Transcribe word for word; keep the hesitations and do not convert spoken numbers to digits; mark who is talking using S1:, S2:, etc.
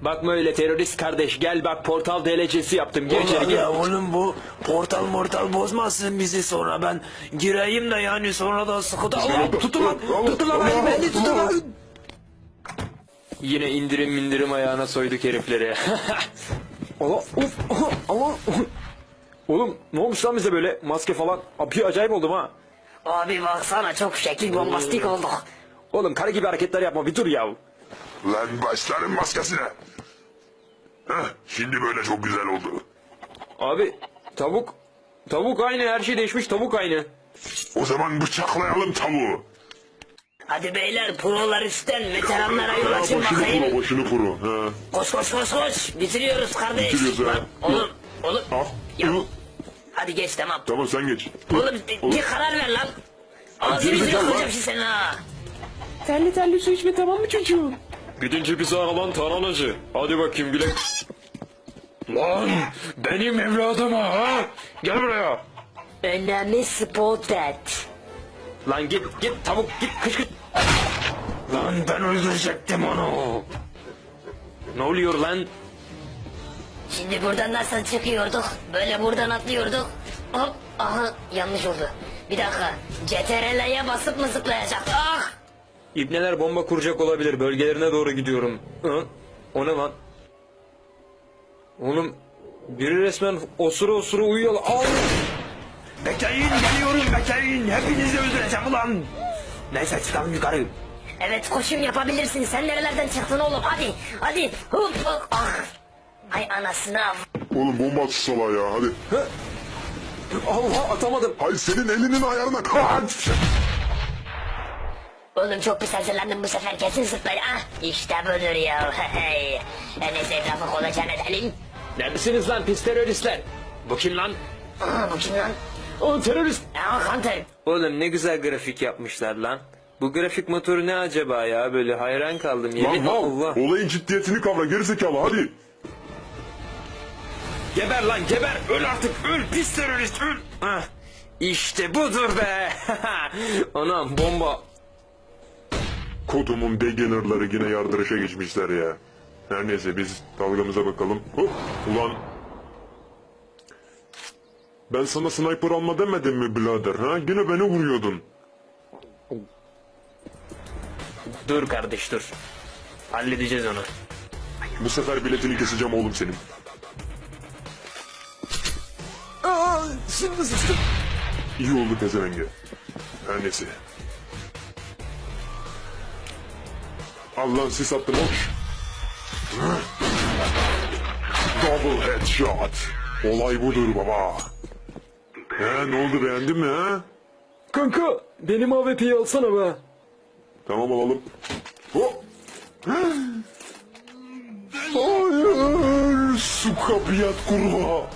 S1: Bakma öyle terörist kardeş, gel bak portal D L C'si yaptım, gir içeri
S2: Ulan
S1: gir.
S2: ya oğlum bu portal mortal bozmasın bizi, sonra ben gireyim de yani sonra da sıkıntı. Allah tutun lan, tutun lan beni, beni tutun lan.
S1: Yine indirim indirim ayağına soyduk herifleri. Allah uf Allah. Oğlum ne olmuş lan bize böyle maske falan? Abi acayip oldum ha.
S3: Abi baksana çok şekil bombastik olduk.
S1: Oğlum karı gibi hareketler yapma, bir dur ya.
S4: Lan başlarım maskesine. Heh, şimdi böyle çok güzel oldu.
S1: Abi tavuk tavuk aynı, her şey değişmiş, tavuk aynı.
S4: O zaman bıçaklayalım tavuğu.
S3: Hadi beyler prolar üstten veteranlara yol açın
S4: Başını
S3: bakayım.
S4: kuru, başını kuru. Ha.
S3: Koş koş koş koş. Bitiriyoruz kardeş.
S4: Bitiriyoruz ha.
S3: Lan, oğlum oğlum.
S4: Al.
S3: Ya.
S4: Al.
S3: Hadi geç tamam.
S4: Tamam sen geç.
S3: Oğlum bir, bir karar ver lan. Ağzını
S4: geri
S3: yüzünü
S4: zekalı
S3: kıracağım
S4: lan.
S3: şimdi senin ha.
S1: Terli terli su içme, tamam mı çocuğum? Gidince bizi aralan taranacı. Hadi bakayım güle. Lan benim evladım ha. Gel buraya.
S3: Önemli spotted.
S1: Lan git git tavuk git, kış kış.
S2: Lan ben öldürecektim onu.
S1: Ne oluyor lan?
S3: Şimdi buradan nasıl çıkıyorduk? Böyle buradan atlıyorduk. Hop aha yanlış oldu. Bir dakika. C T R L'ye basıp mı zıplayacak? Ah!
S1: İbneler bomba kuracak olabilir. Bölgelerine doğru gidiyorum. Hı? O ne lan? Oğlum biri resmen osura osura uyuyor. Al!
S2: Bekleyin, geliyorum, bekleyin. Hepinizi öldüreceğim ulan. Neyse çıkalım yukarı.
S3: Evet koşum yapabilirsin. Sen nerelerden çıktın oğlum? Hadi hadi. Hop hop. Ah. Ay anasını av.
S4: Oğlum bomba at şu salağa ya hadi.
S1: Allah atamadım.
S4: Hayır senin elinin ayarına kaç.
S3: Oğlum çok pis hazırlandım bu sefer, kesin zıplayın. Ah işte budur ya. Hey. En iyisi etrafı kolaçan edelim.
S1: Neredesiniz lan pis teröristler? Bu kim lan?
S3: Aa bu kim lan?
S1: O terörist.
S3: Aa Hunter.
S1: Oğlum ne güzel grafik yapmışlar lan. Bu grafik motoru ne acaba ya? Böyle hayran kaldım.
S4: Lan
S1: Yemin
S4: mal
S1: Allah.
S4: olayın ciddiyetini kavra gerizekalı hadi.
S1: Geber lan geber. Öl artık. Öl pis terörist öl. Hah. İşte budur be. Anam bomba.
S4: Kodumun beginnerları yine yardırışa geçmişler ya. Her neyse biz dalgamıza bakalım. Hop ulan. Ben sana sniper alma demedim mi birader ha? Yine beni vuruyordun.
S1: Dur kardeş dur. Halledeceğiz onu.
S4: Bu sefer biletini keseceğim oğlum senin.
S2: Aa, şimdi sıçtım.
S4: İyi oldu pezevenge. Her neyse. Al lan sis attım hoş. Double headshot. Olay budur baba. He ne oldu beğendin mi ha?
S1: Kanka benim A W P'yi alsana be.
S4: Tamam alalım. Hop. Hayır. Su kapıyat kurwa.